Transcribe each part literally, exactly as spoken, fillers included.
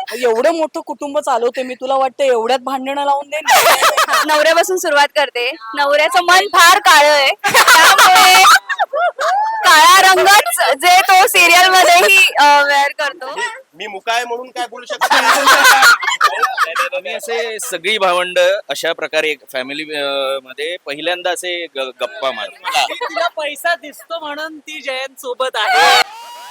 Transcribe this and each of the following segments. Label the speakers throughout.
Speaker 1: एवढं मोठं कुटुंब चालवते मी, तुला वाटतं एवढ्यात भांडणं लावून दे.
Speaker 2: नवऱ्यापासून सुरुवात करते. नवऱ्याचं मन फार काळं आहे, त्यामुळे काळा रंगच जे तो सिरियल मध्येही वेअर करतो.
Speaker 3: मी मुकाय म्हणून काय बोलू शकत नाही.
Speaker 4: आम्ही असे सगळी भावंड अशा प्रकारे फॅमिली मध्ये पहिल्यांदा असे ग- गप्पा मारतो.
Speaker 1: तिला पैसा दिसतो म्हणून ती जयंत सोबत आहे.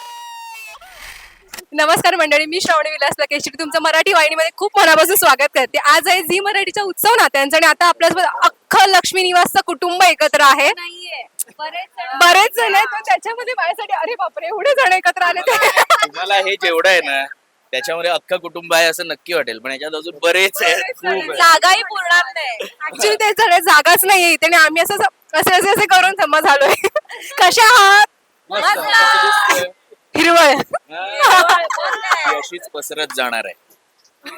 Speaker 2: नमस्कार मंडळी, मी श्रावणी विलास लकेश्री तुमचं मराठी वाहिनीमध्ये खूप मनापासून स्वागत करते. आज आहे झी मराठीचा उत्सव नात्यांचा आणि आता आपल्यासोबत अख्खं लक्ष्मी निवासचं कुटुंब एकत्र आहे. बरेच जण आहेत, पण त्याच्यामध्ये माझ्यासाठी अरे बापरे एवढे जण एकत्र आले ते.
Speaker 4: तुम्हाला हे जेवढं आहे ना त्याच्यामध्ये अख्खं कुटुंब आहे असं नक्की वाटेल, पण याच्यात अजून बरेच आहेत, खूप आहेत.
Speaker 2: जागाही पुरणार नाही. ऍक्च्युली ते झाडे जागाच नाहीये इथे आणि आम्ही असं असे असे असे करून जमा झालोय. कशा आहात?
Speaker 4: मस्त.
Speaker 2: हिरवळ
Speaker 4: ती अशीच पसरत जाणार आहे.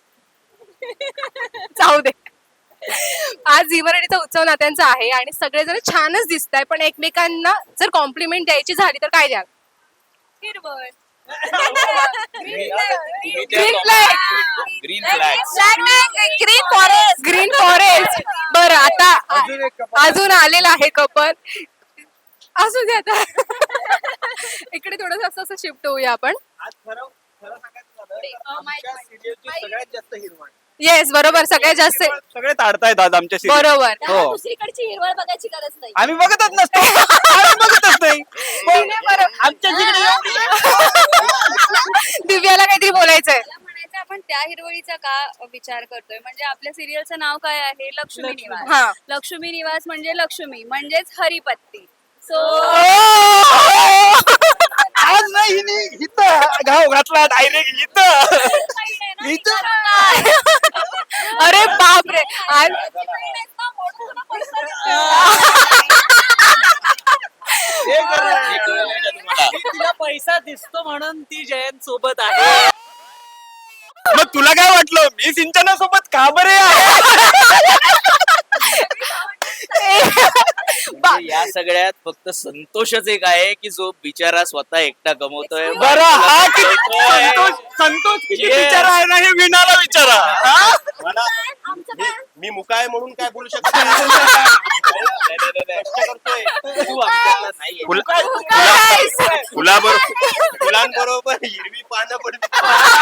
Speaker 2: जाऊ दे. आज झी मराठीचा उत्सव नात्यांचा आहे आणि सगळेजण छानच दिसत आहे, पण एकमेकांना जर कॉम्प्लिमेंट द्यायची झाली तर काय द्याल? हिरवळ,
Speaker 4: green
Speaker 2: green
Speaker 4: flag
Speaker 2: green forest, green forest. बरं, आता अजून आलेला आहे कपल. असू दे आता. इकडे थोडस असं असं शिफ्ट होऊया आपण.
Speaker 3: सगळ्यात जास्त हिरवण
Speaker 2: येस, बरोबर, सगळ्यात जास्त
Speaker 3: सगळे ताडतायत आज आमच्या serial.
Speaker 2: बरोबर.
Speaker 3: हो.
Speaker 2: दुसरीकडची हिरवळ बघायची गरज नाही.
Speaker 3: आम्ही बघतच नसतो. आम्ही बघतच नाही.
Speaker 2: तिने बरोबर.
Speaker 3: आमच्या जिकडे एवढी-
Speaker 2: दिव्याला काहीतरी बोलायचंय.
Speaker 5: मला म्हणायचं आपण त्या हिरवळीचा का विचार करतोय, म्हणजे आपल्या सिरियलचं नाव काय आहे? लक्ष्मी निवास.
Speaker 2: हा.
Speaker 5: लक्ष्मी निवास म्हणजे लक्ष्मी म्हणजेच हरिपत्ती. सो
Speaker 3: आज नाही हिने इथं घाव घातला डायरेक्ट इथं इथं
Speaker 2: अरे बापरे, आज
Speaker 3: हे करा.
Speaker 4: हे कळलं का तुम्हाला?
Speaker 1: तिला पैसा दिसतो म्हणून ती जयंत सोबत आहे.
Speaker 3: मग तुला काय वाटलं मी सिंचना सोबत का बरे आहे?
Speaker 4: म्हणजे या सगळ्यात फक्त संतोषच एक आहे की जो बिचारा स्वतः एकटा कमवतोय.
Speaker 3: बरं, हा किती संतोष संतोष किती
Speaker 4: Yes.
Speaker 3: विचारा आहे ना हे विनाला विचारा. हा? मला मी- मी मुकाय म्हणून काय बोलू शकत नाही.
Speaker 4: तू आमच्यातला नाहीये.
Speaker 3: फुला- फुला- फुलाबरोबर फुलांबरोबर हिरवी पानं पडली.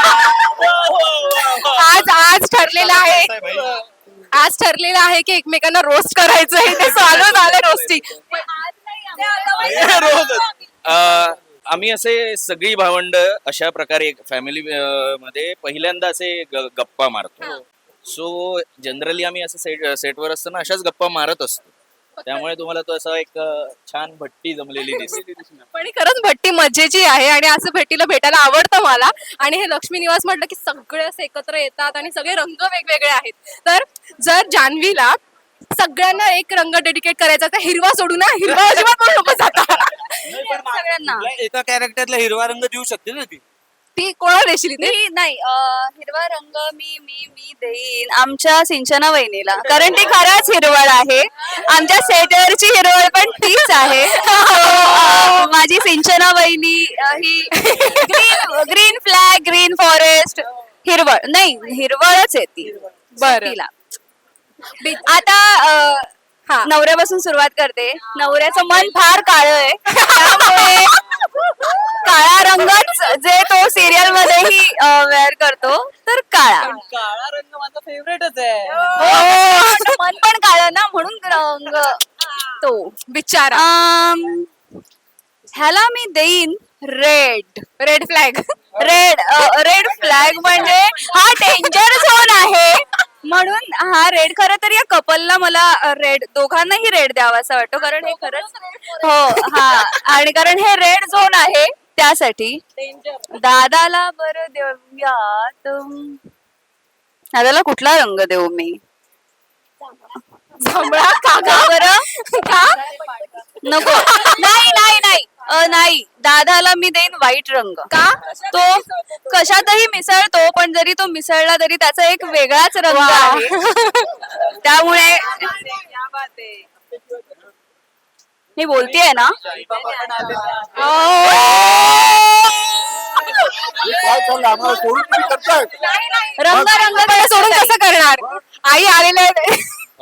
Speaker 2: आज आज ठरलेलं आहे आज ठरलेलं आहे की एकमेकांना रोस्ट करायचं आहे. ते चालू झालं रोस्टिंग.
Speaker 3: हे रोजच.
Speaker 4: अं, आम्ही असे सगळी भावंड अशा प्रकारे फॅमिली मध्ये पहिल्यांदा असे ग- गप्पा मारतो. सो जनरली आम्ही असं सेट सेटवर असताना अशाच गप्पा मारत असतो. त्यामुळे तुम्हाला तो असा एक अं, छान भट्टी जमलेली दिसते.
Speaker 2: पण ही खरंच भट्टी मजेची आहे आणि असं भट्टीला भेटायला आवडतं मला. आणि हे लक्ष्मी निवास म्हटलं की सगळे असे एकत्र येतात आणि सगळे रंग वेगवेगळे आहेत. तर जर जान्हवीला सगळ्यांना एक रंग डेडिकेट करायचा तर हिरवा सोडू ना, हिरवा अजिबात पण नको जाता.
Speaker 5: सगळ्यांना
Speaker 6: एका कॅरेक्टरला हिरवा रंग देऊ शकते ना ती.
Speaker 2: ती कोणाला देशील इथे?
Speaker 5: मी नाही अं, हिरवा रंग मी मी मी देईन आमच्या सिंचना वहिनीला, कारण ती खरंच हिरवळ आहे. आमच्या सेटवरची हिरवळ पण तीच आहे. So, अं, माझी सिंचना वहिनी अं, ही green green flag, green forest, हिरवळ नाही हिरवळच आहे ती.
Speaker 2: बरं.
Speaker 5: तिला आता अं,
Speaker 2: हा.
Speaker 5: नवऱ्यापासून सुरुवात करते. नवऱ्याचं मन फार काळं आहे, त्यामुळे काळा रंगच जे तो सिरियल मध्येही वेअर करतो, तर काळा.
Speaker 1: काळा रंग माझा फेवरेटच आहे.
Speaker 5: हो, मन पण काळं ना, म्हणून रंग तो.
Speaker 2: बिचारा.
Speaker 5: अम, ह्याला मी देईन red.
Speaker 2: Red flag.
Speaker 5: Red red flag म्हणजे हा डेंजर झोन आहे, म्हणून हा रेड. खरं तर या कपलला मला रेड, दोघांनाही रेड द्यावा असं वाटतो, कारण हे खरंच हो हा आणि कारण हे रेड झोन आहे त्यासाठी. दादाला बरं देऊयात. दादाला कुठला रंग देऊ मी?
Speaker 2: जांभळा का
Speaker 5: का बरं? का नको? नाही नाही नाही अ, नाही, दादाला मी देईन व्हाईट रंग. का? तो कशातही मिसळतो, पण जरी तो मिसळला तरी त्याचा एक वेगळाच रंग आहे. त्यामुळे मी बोलतेय ना
Speaker 3: काय चाललं आम्हाला सोडून तुम्ही करताय
Speaker 5: रंग रंग
Speaker 2: मला सोडून कसं करणार आई आलेले आहेत.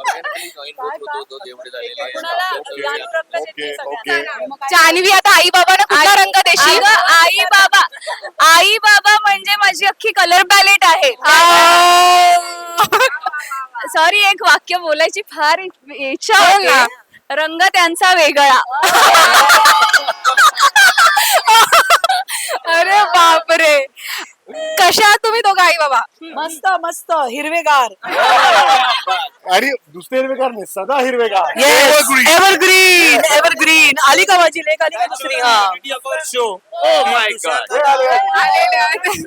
Speaker 3: ओके ओके
Speaker 2: जान्हवी आता आई बाबांना कुठला रंग देशील?
Speaker 5: अगं, आई बाबा आई बाबा म्हणजे माझी अख्खी कलर पॅलेट आहे. सॉरी एक वाक्य बोलायची फार इच्छा
Speaker 2: बोल ना.
Speaker 5: होती. रंग त्यांचा वेगळा.
Speaker 2: अरे बापरे, कशा आहात तुम्ही दोघं आई बाबा?
Speaker 1: मस्त मस्त हिरवेगार.
Speaker 3: आणि दुसरे हिरवेगार नाही सदा हिरवेगार
Speaker 1: एव्हरग्रीन एव्हरग्रीन. आली का माझी लेक? आली का दुसरी? हा
Speaker 6: शो
Speaker 3: हे आले.
Speaker 2: आलेले आहेत.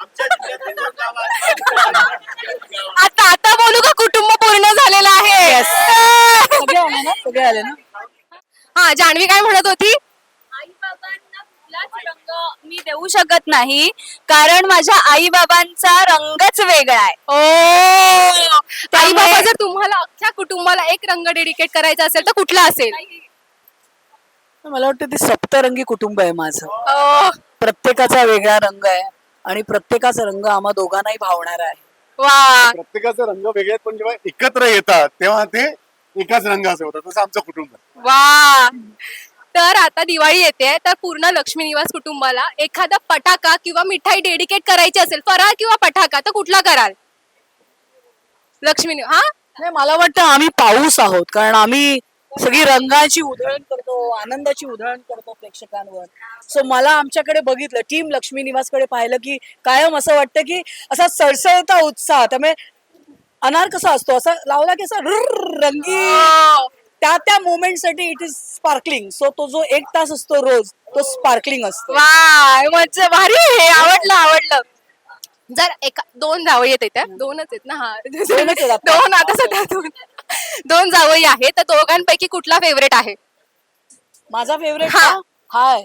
Speaker 2: आता आता बोलू का कुटुंब पूर्ण झालेलं आहे?
Speaker 1: सगळे आले ना सगळे आले ना.
Speaker 2: हा, जान्हवी काय म्हणत होती?
Speaker 5: आई बाबांना कुठलाच रंग मी देऊ शकत नाही कारण माझ्या आई बाबांचा रंगच वेगळा आहे.
Speaker 2: ओ, आई बाबा जर तुम्हाला अख्ख्या कुटुंबाला एक रंग डेडिकेट करायचा असेल तर कुठला असेल?
Speaker 1: मला वाटतं ते सप्तरंगी कुटुंब आहे माझं.
Speaker 2: ओ,
Speaker 1: प्रत्येकाचा वेगळा रंग आहे आणि प्रत्येकाचा रंग आम्हा दोघांनाही भावणार आहे.
Speaker 2: वा,
Speaker 3: प्रत्येकाचे रंग वेगळे आहेत, पण जेव्हा एकत्र येतात तेव्हा ते एकाच रंगाचे होतात. तसं आमचं कुटुंब आहे.
Speaker 2: वा. तर आता दिवाळी येते, तर पूर्ण लक्ष्मी निवास कुटुंबाला एखादा पटाका किंवा मिठाई डेडिकेट करायची असेल, फराळ किंवा पटाका, तर कुठला कराल? लक्ष्मी नि- हा
Speaker 1: नाही मला वाटतं आम्ही पाऊस आहोत कारण आम्ही सगळी रंगाची उधळण करतो, आनंदाची उधळण करतो प्रेक्षकांवर. सो मला आमच्याकडे बघितलं, टीम लक्ष्मी निवासकडे पाहिलं की कायम असं वाटतं की असा सळसळता उत्साह. त्यामुळे अनार कसा असतो असा लावला की असा रुर्र रंगी त्या त्या मोमेंट साठी इट इज स्पार्कलिंग. सो तो जो एक तास असतो रोज तो स्पार्कलिंग असतो.
Speaker 2: वा, मज्जा, भारी आहे हे. आवडलं आवडलं. जर एका दोन जावई आहेत त्या दोनच आहेत ना? हा,
Speaker 1: दोनच आहेत आता.
Speaker 2: दोन आता सध्या दोन दोन जावई आहेत, तर दोघांपैकी कुठला फेवरेट आहे?
Speaker 1: माझा फेवरेट
Speaker 2: हा.
Speaker 1: हाय.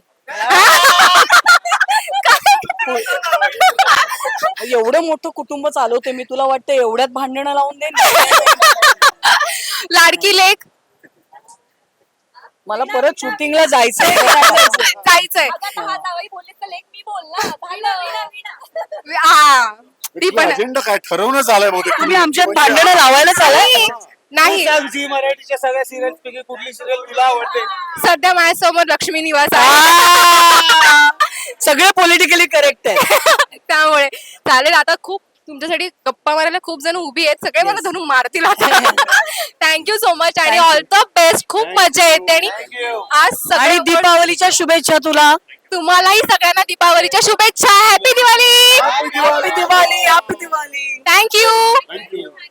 Speaker 1: एवढं मोठं कुटुंब चालवते मी, तुला वाटतं एवढ्यात भांडणं लावून दे.
Speaker 2: लाडकी लेक
Speaker 1: मला परत शूटिंगला जायचंय.
Speaker 2: जायचंय. हा, ती पण
Speaker 3: अजेंडा काय ठरवणं झालंय बहुतेक.
Speaker 1: तुम्ही आमच्यात भांडणं लावायला चालाय.
Speaker 2: नाही.
Speaker 6: झी मराठीच्या सगळ्या सिरियल पैकी कुठली सिरियल तुला आवडते?
Speaker 2: सध्या माझ्यासमोर लक्ष्मी निवास आहे.
Speaker 1: सगळे पॉलिटिकली करेक्ट आहे.
Speaker 2: त्यामुळे चालेल. आता खूप तुमच्यासाठी गप्पा मारायला खूप जण उभी आहेत, सगळे मला धरून मारतील आता. थँक्यू सो मच आणि ऑल द बेस्ट. खूप मजा येते आणि आज
Speaker 1: आणि
Speaker 2: सगळं
Speaker 1: दीपावलीच्या शुभेच्छा तुला.
Speaker 2: तुम्हालाही सगळ्यांना दीपावलीच्या शुभेच्छा. Happy Diwali.
Speaker 1: Happy Diwali. Happy Diwali.
Speaker 2: Thank you.
Speaker 3: Thank you.